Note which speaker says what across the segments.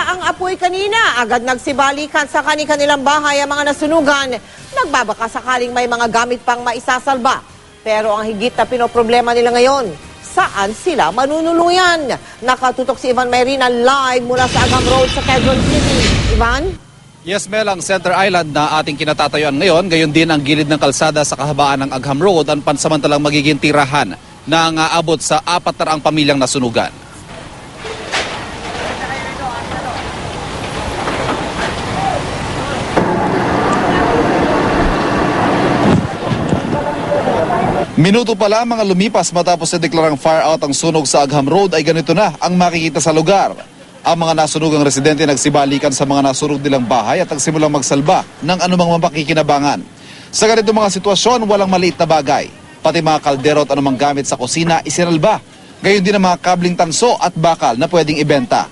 Speaker 1: ang apoy kanina, agad nagsibalikan sa kanilang bahay ang mga nasunugan. Nagbabaka sakaling may mga gamit pang maisasalba. Pero ang higit na pinoproblema nila ngayon, saan sila manunuluyan? Nakatutok si Ivan Mayrina live mula sa Agham Road sa Quezon City. Ivan?
Speaker 2: Yes, Mel, ang Center Island na ating kinatatayuan ngayon, gayon din ang gilid ng kalsada sa kahabaan ng Agham Road ang pansamantalang magiging tirahan na aabot sa 400 pamilyang nasunugan. Minuto pa lang mga lumipas matapos na deklarang fire out ang sunog sa Agham Road ay ganito na ang makikita sa lugar. Ang mga nasunugang residente nagsibalikan sa mga nasunog nilang bahay at nagsimulang magsalba ng anumang mapakikinabangan. Sa ganito mga sitwasyon, walang maliit na bagay. Pati mga kaldero at anumang gamit sa kusina isinalba. Gayon din ang mga kabling tanso at bakal na pwedeng ibenta.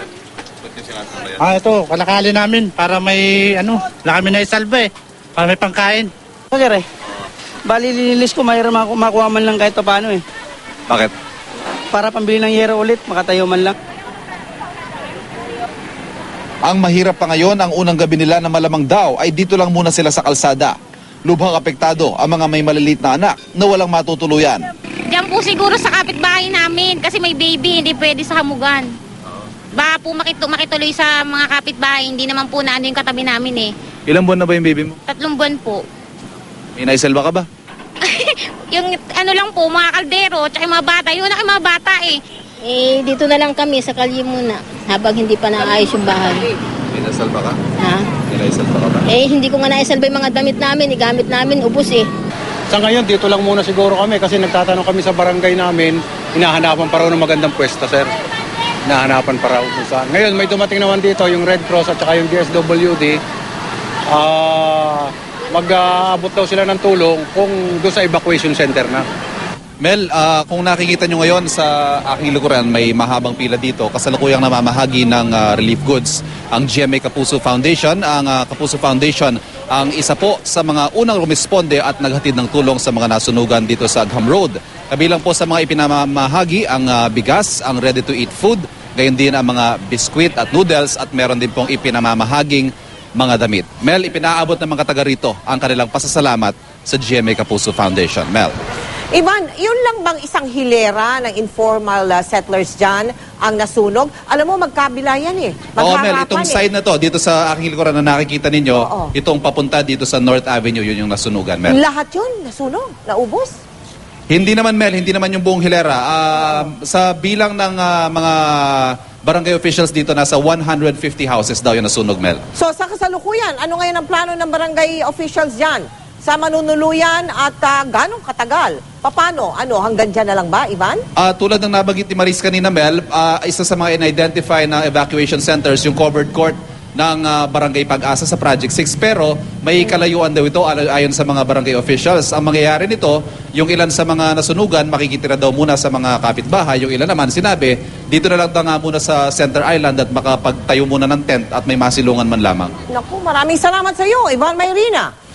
Speaker 3: Ito, kalakali namin para may wala kami na isalba para may pangkain.
Speaker 4: Sir bali lilinis ko, mayroon makuha man lang kahit paano
Speaker 2: Bakit?
Speaker 4: Para pambili ng yero ulit, makatayo man lang.
Speaker 2: Ang mahirap pa ngayon, ang unang gabi nila na malamang daw ay dito lang muna sila sa kalsada. Lubhang apektado ang mga may maliliit na anak na walang matutuluyan.
Speaker 5: Diyan po siguro sa kapitbahay namin kasi may baby, hindi pwede sa hamugan. Baka po makituloy sa mga kapitbahay, hindi naman po na yung katabi namin
Speaker 2: Ilang buwan na ba yung baby mo?
Speaker 5: 3 buwan po.
Speaker 2: May naisalba ka ba?
Speaker 5: Yung lang po, mga kaldero, tsaka yung mga bata, yun ang mga bata
Speaker 6: dito na lang kami sa kalye muna habang hindi pa naayos yung bahay.
Speaker 2: May naisalba ka?
Speaker 6: Ha?
Speaker 2: May naisalba ka ba?
Speaker 6: Hindi ko nga naisalba yung mga damit namin, gamit namin, ubos
Speaker 3: Sa ngayon, dito lang muna siguro kami kasi nagtatanong kami sa barangay namin, hinahanapan pa raw ng magandang pwesto, sir. Hinahanapan pa raw kung saan. Ngayon, may dumating naman dito yung Red Cross at saka yung DSWD. Mag-aabot daw sila ng tulong kung doon sa evacuation center na.
Speaker 2: Mel, kung nakikita nyo ngayon sa aking likuran, may mahabang pila dito. Kasalukuyang namamahagi ng relief goods ang GMA Kapuso Foundation. Ang Kapuso Foundation ang isa po sa mga unang rumisponde at naghatid ng tulong sa mga nasunugan dito sa Agham Road. Kabilang po sa mga ipinamamahagi ang bigas, ang ready-to-eat food, gayon din ang mga biskwit at noodles at meron din pong ipinamamahaging mga damit. Mel, ipinaabot ng mga taga rito ang kanilang pasasalamat sa GMA Kapuso Foundation. Mel.
Speaker 1: Ivan, yun lang bang isang hilera ng informal settlers dyan ang nasunog? Alam mo, magkabila yan
Speaker 2: Oo, Mel, itong side na to, dito sa aking likuran na nakikita ninyo, itong papunta dito sa North Avenue, yun yung nasunugan, Mel.
Speaker 1: Lahat yun, nasunog, naubos.
Speaker 2: Hindi naman, Mel, hindi naman yung buong hilera. Sa bilang ng mga barangay officials dito, nasa 150 houses daw yung nasunog, Mel.
Speaker 1: So sa kasalukuyan, ano ngayon ang plano ng barangay officials dyan? Sa manunuluyan at ganong katagal? Paano? Hanggang dyan na lang ba, Ivan?
Speaker 2: Tulad ng nabanggit ni Maris kanina, Mel, isa sa mga in-identify na evacuation centers, yung covered court ng Barangay Pag-asa sa Project 6. Pero may kalayuan daw ito ayon sa mga barangay officials. Ang mangyayari nito, yung ilan sa mga nasunugan, makikitira daw muna sa mga kapitbahay. Yung ilan naman, sinabi, dito na lang nga muna sa Center Island at makapagtayo muna ng tent at may masilungan man lamang.
Speaker 1: Naku, maraming salamat sa iyo, Ivan Mayrina.